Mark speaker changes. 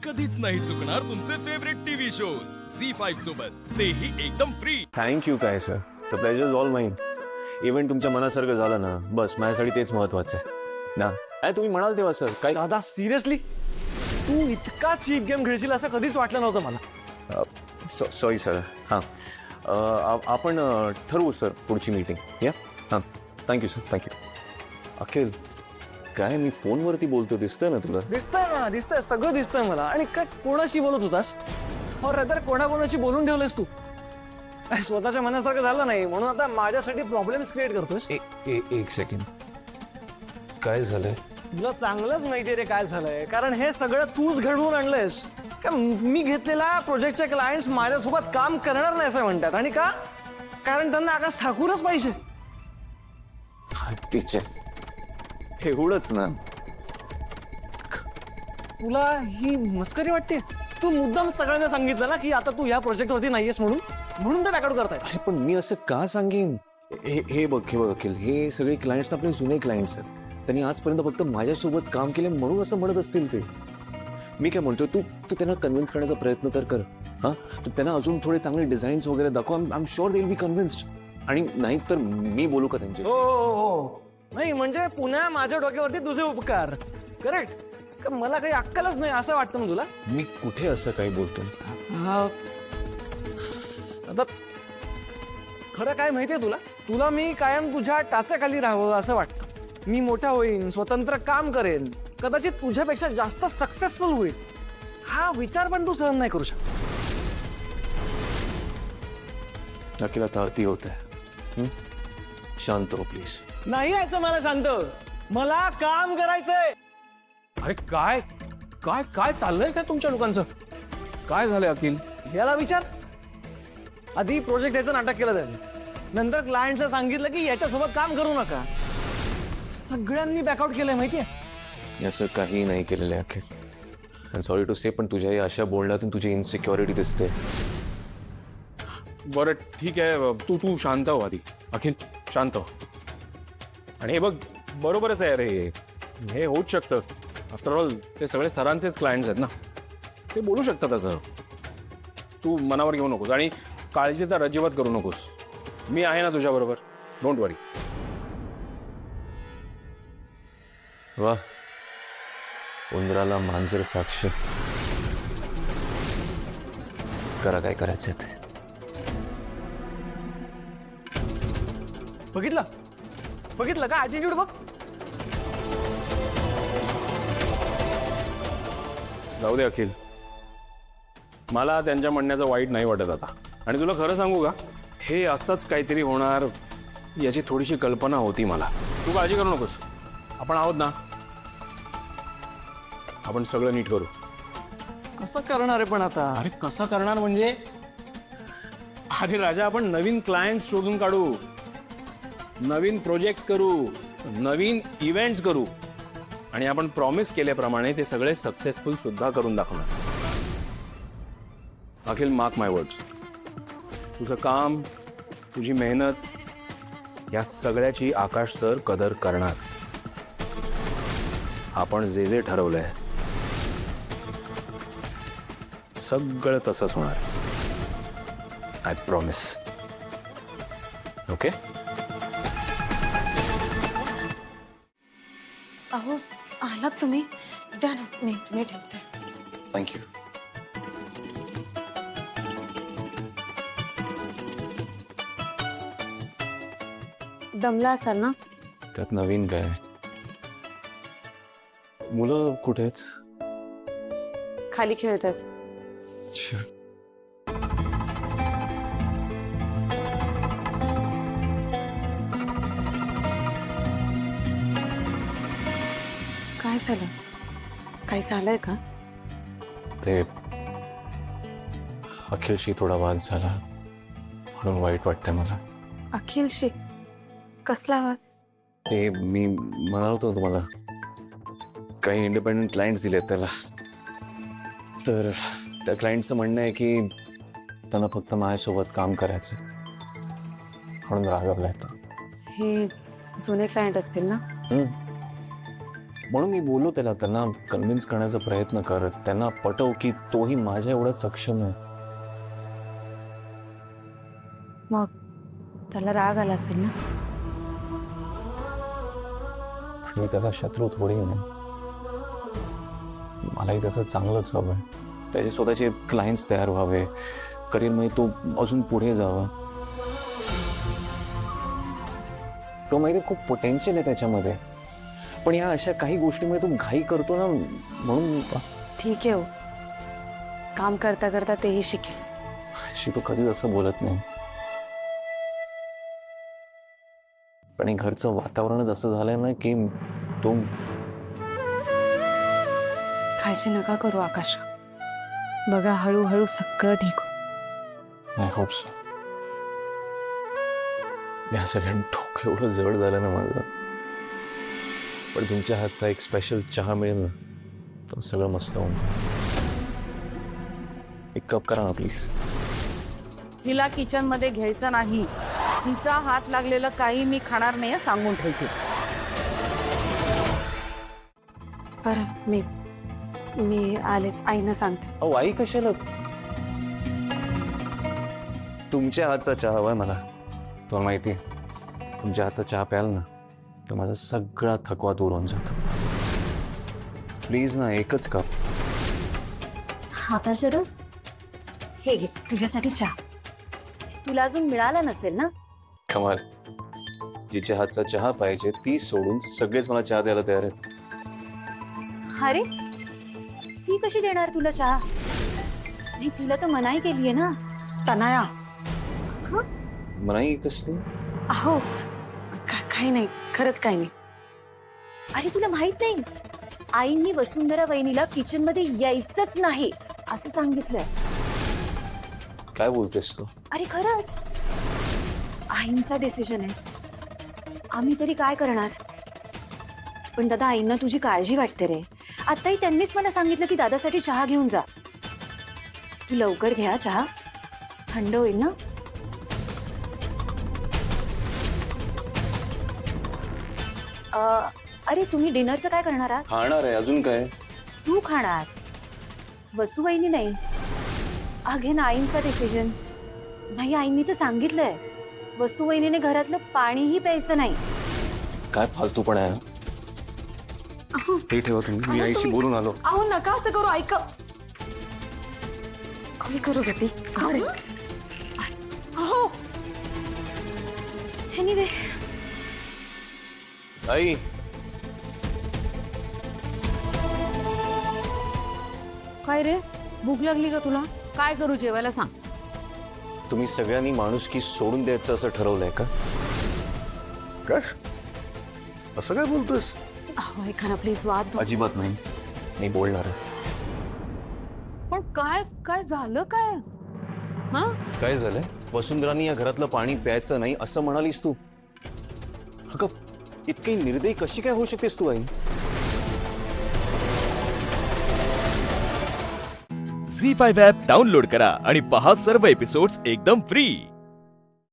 Speaker 1: कधीच नाही चुकणार तुमचे फेवरेट टीव्ही शोज झी5 सोबत, तेही एकदम फ्री.
Speaker 2: थँक्यू काय sir, the pleasure is all mine. Event तुमच्या मनासारखं झालं ना, बस माझ्यासाठी तेच महत्वाचं आहे ना. काय तुम्ही म्हणाल तेव्हा सर, काय
Speaker 3: दादा सिरियसली तू इतका चीप गेम खेळशील असं कधीच वाटलं नव्हतं मला.
Speaker 2: Sorry sir. हां, आपण ठरवू सर पुढची मीटिंग. या हां, थँक्यू सर, थँक्यू. अखिल, काय मी फोनवरती बोलतो दिसतंय ना तुला?
Speaker 3: दिसतंय सगळं दिसतंय मला. आणि काय कोणाशी बोलत होतास? हो रे, तर कोणाकोणाशी बोलून ठेवलेस तू? काय स्वतःच्या मनासारखं झालं नाही म्हणून आता माझ्यासाठी प्रॉब्लेम्स क्रिएट करतोस?
Speaker 2: एक सेकंड, काय झालंय?
Speaker 3: तुला चांगलंच माहिती रे काय झालंय, कारण हे सगळं तूच घडवून आणलंयस. का मी घेतलेला प्रोजेक्टचे क्लायंट्स माझ्यासोबत काम करणार नाही असं म्हणतात. आणि का? कारण त्यांना आकाश ठाकूरच पाहिजे.
Speaker 2: तिचे एवढंच ना?
Speaker 3: तुला ही मस्करी वाटते? तू मुद्दाम सगळ्यांना सांगितलं ना की आता तू या प्रोजेक्टवरती नाहीयेस म्हणून ते बॅकआउट करतायत.
Speaker 2: अरे पण मी असं का सांगेन? हे बघ अखिल, हे सगळे क्लायंट्स आपले जुने क्लायंट्स आहेत. त्यांनी आजपर्यंत फक्त माझ्यासोबत काम केले म्हणून असं म्हणत असतील ते. मी काय म्हणतो, तू त्यांना कन्व्हिन्स करण्याचा प्रयत्न तर कर. हां, तू त्यांना अजून थोडे चांगले डिझाईन्स वगैरे दाखव. I am sure they will be convinced. आणि नाहीच तर मी बोलू का त्यांच्याशी?
Speaker 3: हो नाही, म्हणजे पुन्हा माझ्या डोक्यावरती तुझे उपकार. करेक्ट. का मला काही अक्कलच नाही असं वाटतं ना तुला?
Speaker 2: मी कुठे असं काही बोलतो?
Speaker 3: आता खरं काय माहितीये तुला मी कायम तुझ्या टाचाखाली राहावं असं वाटतं. मी मोठा होईन, स्वतंत्र काम करेन, कदाचित तुझ्यापेक्षा जास्त सक्सेसफुल होईल. हा विचार पण तू सहन नाही करू शकत.
Speaker 2: अखिल, आता अति होत आहे. शांत हो प्लीज.
Speaker 3: नाही यायचं मला शांत. मला काम करायचंय.
Speaker 4: अरे काय काय काय चाललंय काय तुमच्या लोकांचं? काय झालंय अखिल?
Speaker 3: याला विचार. आधी प्रोजेक्ट याचं नाटक केलं त्यांनी, नंतर क्लायंटचं सांगितलं की याच्यासोबत काम करू नका. सगळ्यांनी बॅकआउट केलंय माहितीये.
Speaker 2: असं काही नाही केलेलं आहे अखिल. सॉरी टू से, पण तुझ्या या अशा बोलण्यातून तुझी इनसिक्युरिटी दिसते.
Speaker 4: बरं ठीक आहे, तू शांत हो आधी. अखिल शांत हो. आणि हे बघ, बरोबरच आहे रे, हे होऊच शकतं. आफ्टर ऑल ते सगळे सरांचेच क्लायंट्स आहेत ना, ते बोलू शकतात असं. तू मनावर घेऊ नकोस आणि काळजी तर अजिबात करू नकोस. मी आहे ना तुझ्याबरोबर, डोंट वरी.
Speaker 2: वा, उंदराला मांजर साक्ष. करा काय करायचं ते.
Speaker 3: बघितलं का ॲटिट्यूड बघ.
Speaker 4: जाऊ दे अखिल, मला त्यांच्या म्हणण्याचं वाईट नाही वाटत आता. आणि तुला खरं सांगू का, हे असंच काहीतरी होणार याची थोडीशी कल्पना होती मला. तू काळजी करू नकोस, आपण आहोत ना, आपण सगळं नीट करू.
Speaker 3: कसं करणार आहे पण आता?
Speaker 4: अरे कसं करणार म्हणजे, अरे राजा, आपण नवीन क्लायंट्स शोधून काढू, नवीन प्रोजेक्ट्स करू, नवीन इव्हेंट्स करू, आणि आपण प्रॉमिस केल्याप्रमाणे ते सगळे सक्सेसफुल सुद्धा करून दाखवणार. अखिल, मार्क माय वर्ड्स, तुझं काम, तुझी मेहनत या सगळ्याची आकाश सर कदर करणार. आपण जे ठरवलंय सगळं तसंच होणार. I promise. ओके?
Speaker 5: अहो, आलात तुम्ही? द्या ना, मी ठेवते.
Speaker 2: थँक्यू.
Speaker 5: दमला असाल ना?
Speaker 2: त्यात नवीन काय? मुलं कुठे आहेत?
Speaker 5: खाली खेळतात.
Speaker 2: अच्छा.
Speaker 5: काय झालं? काय झालंय का?
Speaker 2: ते अखिलशी थोडा वाद झाला म्हणून वाईट वाटतंय मला.
Speaker 5: अखिलशी? कसला वाद?
Speaker 2: ते मी म्हणालो होतो तुम्हाला, काही इंडिपेंडंट क्लायंट्स दिलेत त्याला, तर त्या क्लायंटचं म्हणणं आहे की त्यांना फक्त माझ्यासोबत काम करायचं म्हणून रागवलाय तो.
Speaker 5: हे जुने क्लायंट असतील ना?
Speaker 2: म्हणून मी बोललो त्यांना कन्व्हिन्स करण्याचा प्रयत्न कर, त्यांना पटव की तोही माझ्या एवढाच सक्षम आहे.
Speaker 5: मग त्याला राग आला असेल ना.
Speaker 2: मी त्याचा शत्रू थोडी नाही. मलाही त्याचं चांगलंच हवं आहे. त्याचे स्वतःचे क्लायंट्स तयार व्हावे, करिअरमध्ये तो अजून पुढे जावा. तो माहिती खूप पोटेन्शियल आहे त्याच्यामध्ये, पण या अशा काही गोष्टीमुळे तो घाई करतो ना, म्हणून
Speaker 5: ठीक आहे हो, काम करता करता तेही शिकेल.
Speaker 2: अशी तो कधीच असं बोलत नाही. पण हे घरचं वातावरणच असं झालंय ना की तो
Speaker 5: काळजी नका करू आकाश. बघा हळूहळू सगळं ठीक हो.
Speaker 2: I hope so. या सगळ्या डोकं एवढं जड झालं ना माझं, पण तुमच्या हातचा एक स्पेशल चहा मिळेल ना तर सगळं मस्त होऊन जाईल. एक कप करा ना प्लीज.
Speaker 6: हिला किचन मध्ये घ्यायचं नाही. तिचा हात लागलेलं काही मी खाणार नाही, सांगून ठेवते.
Speaker 5: बरं मी आलेच, आईनं सांगते.
Speaker 2: अहो आई कशाला? तुमच्या हातचा चहा हवाय मला. तुम्हाला माहिती आहे, तुमच्या हातचा चहा प्याल ना तर माझा सगळा थकवा दूर होऊन जातो. प्लीज ना, एकच कप.
Speaker 7: आता जरा हे घे तुझ्यासाठी चहा. तुला अजून मिळाला नसेल ना.
Speaker 2: कमाल. जिच्या हातचा चहा पाहिजे ती सोडून सगळेच मला चहा द्यायला तयार आहेत.
Speaker 7: अरे ती कशी देणार तुला चहा? नाही, तिला तर मनाई केलीये ना.
Speaker 5: तनाया,
Speaker 2: मनाई कसली?
Speaker 5: अहो काही नाही, खरंच काही नाही.
Speaker 7: अरे तुला माहित नाही, आईंनी वसुंधरा वहिनीला किचन मध्ये यायचंच नाही असं सांगितलंय.
Speaker 2: काय बोलतेस तू?
Speaker 7: अरे खरंच, आईंचा डिसिजन आहे. आम्ही तरी काय करणार. पण दादा, आईंना तुझी काळजी वाटते रे. आताही त्यांनीच मला सांगितलं की दादासाठी चहा घेऊन जा. तू लवकर घ्या चहा, थंड होईल ना. अरे तुम्ही डिनरचं काय करणार आहात?
Speaker 2: खाणार आहे, अजून काय?
Speaker 7: तू खाणार, वसुवहिनी नाही. अगेन आईंचा डिसिजन. नाही, आईंनी तर सांगितलंय वसुवहिनीने घरातलं पाणीही प्यायचं नाही.
Speaker 2: काय फालतूपणा आहे? ते ठेवा तुम्ही, मी आईशी बोलून आलो.
Speaker 5: अहो नका असं करू, ऐका. कमी करू जाते. अरे
Speaker 7: अहो, एनिवे,
Speaker 2: आई,
Speaker 6: काय रे, भूक लागली का तुला? काय करू जेवायला सांग.
Speaker 2: तुम्ही सगळ्यांनी माणुसकी सोडून द्यायचं असं ठरवलंय का? काय असं काय बोलतोस?
Speaker 5: अहो ऐका ना प्लीज, वाद
Speaker 2: अजिबात नाही, मी बोलणार आहे.
Speaker 6: पण काय काय झालं काय? हा,
Speaker 2: काय झालंय? वसुंधरानी या घरातलं पाणी प्यायचं नाही असं म्हणालीस तू. अगं, इतकी निर्दयी कशी काय होऊ शकतेस तू आई?
Speaker 1: झी 5 ॲप डाउनलोड करा आणि पहा सर्व एपिसोड्स एकदम फ्री.